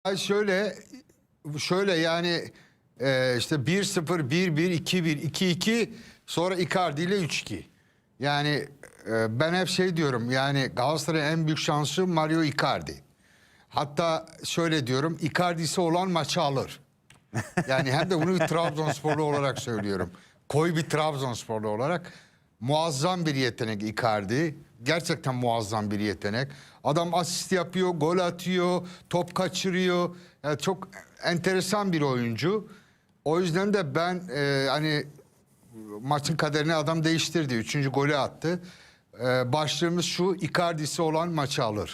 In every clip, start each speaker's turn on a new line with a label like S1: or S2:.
S1: Şöyle yani işte 1-0, 1-1, 2-1, 2-2 sonra Icardi ile 3-2. Yani ben hep şey diyorum yani Galatasaray'ın en büyük şansı Mario Icardi. Hatta şöyle diyorum Icardi'si olan maçı alır. Yani hem de bunu bir Trabzonsporlu olarak söylüyorum. Koyu bir Trabzonsporlu olarak muazzam bir yetenek Icardi. Gerçekten muazzam bir yetenek. Adam asist yapıyor, gol atıyor, top kaçırıyor. Yani çok enteresan bir oyuncu. O yüzden de ben hani maçın kaderini adam değiştirdi. 3. golü attı. Başlığımız şu: Icardi'si olan maçı alır.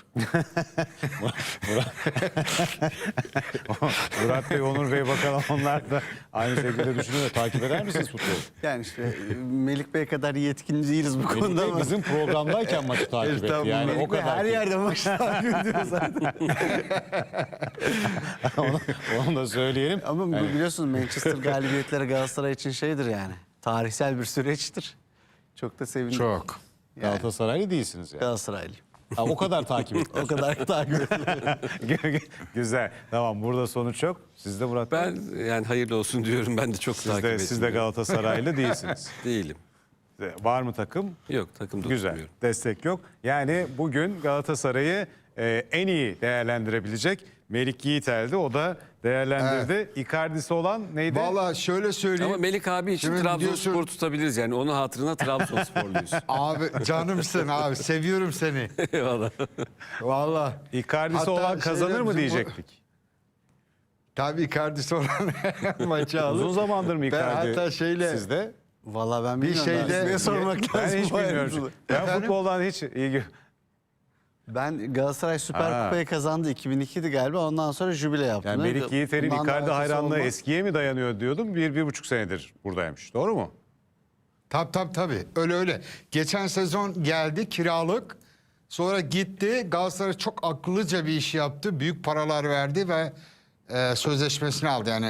S2: Murat Bey, Onur Bey, bakalım onlar da aynı şekilde düşünüyor. Takip eder misiniz futbolu?
S3: Yani işte Melik Bey kadar yetkin değiliz bu konuda
S2: Melik Bey
S3: ama.
S2: bizim programdayken maçı takip etti. Yani
S3: Melik
S2: o
S3: Bey
S2: kadar.
S3: her yerde maçı takip ediyor zaten.
S2: onu da söyleyelim.
S3: Ama biliyorsunuz Manchester galibiyetleri Galatasaray için şeydir yani. Tarihsel bir süreçtir. Çok da sevindim.
S1: Çok.
S2: Galatasaraylı değilsiniz yani.
S3: Galatasaraylıyım.
S2: Ha, o kadar takip etti.
S3: O kadar takip ediyorum.
S2: Güzel. Tamam, burada sonuç yok. Siz de Murat Bey.
S4: Ben yani hayırlı olsun diyorum. Ben de çok takip ettim.
S2: Siz de Galatasaraylı değilsiniz.
S4: Değilim.
S2: Var mı takım?
S4: Yok, takımda
S2: Güzel.
S4: tutmuyorum.
S2: Destek yok. Yani bugün Galatasaray'ı en iyi değerlendirebilecek Melik Yiğitel'di. O da değerlendirdi. Icardi'si olan neydi?
S1: Vallahi şöyle söyleyeyim.
S4: Ama Melik abi için
S1: Şimdi
S4: Trabzonspor
S1: diyorsun-
S4: tutabiliriz yani. Onun hatırına Trabzonsporluyuz.
S1: Abi canımsın abi, seviyorum seni.
S4: Eyvallah.
S1: Vallahi.
S2: Icardi'si
S1: Hatta
S2: olan kazanır
S1: şeyde
S2: mı
S1: bizim bu-
S2: diyecektik.
S1: Tabii Icardi'si olan maçı alır.
S2: Uzun zamandır mı
S1: Ben
S2: Icardi
S1: hatta
S2: sizde?
S3: Vallahi ben bilmiyorum.
S1: şeyde-
S3: Size sormak
S2: Ben
S3: lazım.
S2: hiç
S3: bu
S2: bilmiyorum.
S3: ayrıntılı.
S2: Ben
S1: Efendim?
S2: futboldan hiç ilgi...
S3: Ben Galatasaray Süper Kupayı kazandı. 2002'di galiba. Ondan sonra jübile yaptım.
S2: Yani Melik Yiğiter'in
S3: Bundan da
S2: Icardi
S3: arkası
S2: hayranlığı
S3: olmaz.
S2: eskiye mi dayanıyor diyordum. 1-1,5 senedir buradaymış. Doğru mu?
S1: Tabii. Öyle. Geçen sezon geldi kiralık. Sonra gitti. Galatasaray çok akıllıca bir iş yaptı. Büyük paralar verdi ve sözleşmesini aldı. Yani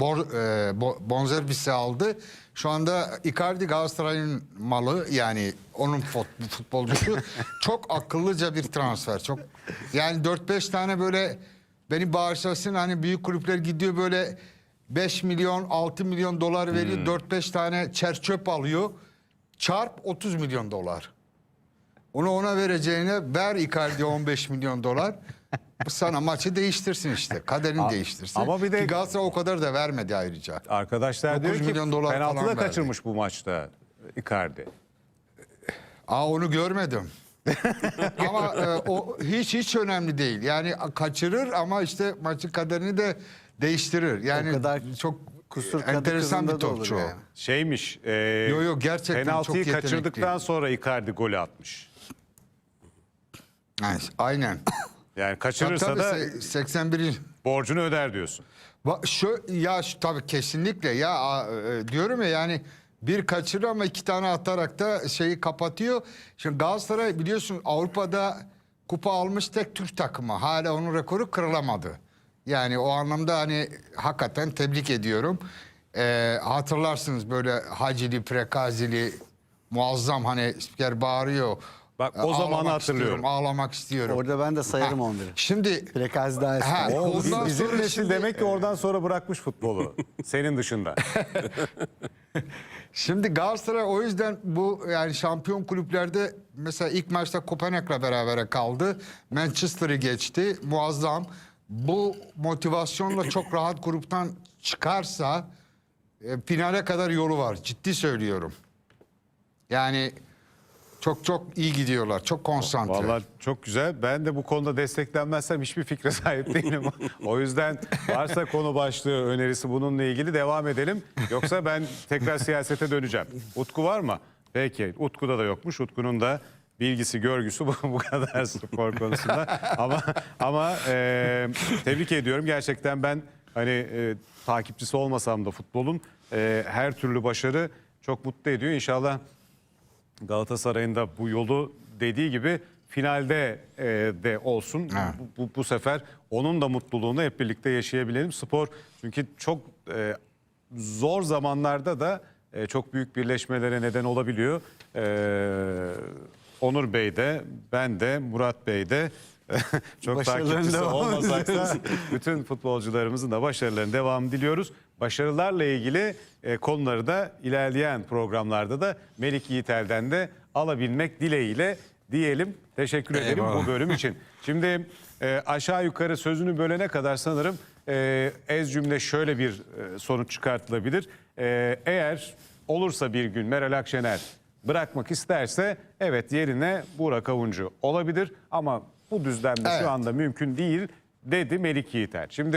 S1: bonservisi aldı. Şu anda Icardi Galatasaray'ın malı, yani onun futbolcusu. Çok akıllıca bir transfer. Çok yani 4-5 tane böyle, beni bağışlasın, hani büyük kulüpler gidiyor böyle 5 milyon 6 milyon dolar veriyor. 4-5 tane çerçöp alıyor. Çarp 30 milyon dolar. Onu ona vereceğine ver Icardi'ye 15 milyon dolar. Bu sana maçı değiştirsin işte. Kaderini değiştirsin.
S2: ama bir de-
S1: Ki Galatasaray o kadar da vermedi ayrıca.
S2: Arkadaşlar
S1: 9
S2: diyor ki
S1: milyon dolar
S2: penaltı
S1: falan
S2: da
S1: verdi.
S2: kaçırmış bu maçta Icardi.
S1: Onu görmedim. Ama o hiç önemli değil. Yani kaçırır ama işte maçın kaderini de değiştirir. Yani
S3: O kadar
S1: çok
S3: kusur kadı
S1: enteresan bir
S3: kızında da olur
S1: topçu o.
S3: yani.
S2: Şeymiş.
S1: Yo, gerçekten çok
S2: penaltıyı
S1: yetenekli.
S2: kaçırdıktan sonra Icardi golü atmış.
S1: Aynen.
S2: Yani kaçırırsa
S1: Tabii,
S2: da
S1: 81.
S2: borcunu öder diyorsun.
S1: Tabii kesinlikle ya, diyorum ya, yani bir kaçırır ama 2 tane atarak da şeyi kapatıyor. Şimdi Galatasaray biliyorsun Avrupa'da kupa almış tek Türk takımı. Hala onun rekoru kırılamadı. Yani o anlamda hani hakikaten tebrik ediyorum. Hatırlarsınız böyle Hacili, Prekazili, muazzam, hani spiker bağırıyor.
S2: Bak, o zamanı
S1: Ağlamak
S2: hatırlıyorum.
S1: istiyorum, ağlamak istiyorum.
S3: Orada ben de sayarım
S1: Ha,
S3: 11'i.
S1: Şimdi
S3: Prekazi daha eski.
S1: Ha, ondan
S2: Bizim
S1: sonra
S2: nesil
S1: şimdi-
S2: demek ki oradan sonra bırakmış futbolu. Senin dışında.
S1: Şimdi Galatasaray o yüzden bu yani şampiyon kulüplerde mesela ilk maçta Kopenhag'la berabere kaldı. Manchester'ı geçti. Muazzam. Bu motivasyonla çok rahat gruptan çıkarsa finale kadar yolu var. Ciddi söylüyorum. Yani çok iyi gidiyorlar. Çok konsantre.
S2: Vallahi çok güzel. Ben de bu konuda desteklenmezsem hiçbir fikre sahip değilim. O yüzden varsa konu başlığı, önerisi bununla ilgili devam edelim. Yoksa ben tekrar siyasete döneceğim. Utku var mı? Peki. Utku'da da yokmuş. Utku'nun da bilgisi, görgüsü bu kadar spor konusunda. Ama tebrik ediyorum. Gerçekten ben hani takipçisi olmasam da futbolun her türlü başarı çok mutlu ediyor. İnşallah Galatasaray'ın da bu yolu dediği gibi finalde de olsun. Bu sefer onun da mutluluğunu hep birlikte yaşayabilelim. Spor çünkü çok zor zamanlarda da çok büyük birleşmelere neden olabiliyor. Onur Bey de, ben de, Murat Bey de Çok
S3: Başarıların
S2: takipçisi
S3: devamı
S2: olmasak da
S3: diliyoruz.
S2: bütün futbolcularımızın da başarılarının devamını diliyoruz. Başarılarla ilgili konuları da ilerleyen programlarda da Melik Yiğitel'den de alabilmek dileğiyle diyelim. Teşekkür ederim bu bölüm için. Şimdi aşağı yukarı sözünü bölene kadar sanırım ez cümle şöyle bir sonuç çıkartılabilir. Eğer olursa bir gün Meral Akşener bırakmak isterse evet yerine Burak Avuncu olabilir ama bu düzlemde
S1: Evet.
S2: şu anda mümkün değil dedi Melik Yiğiter. Şimdi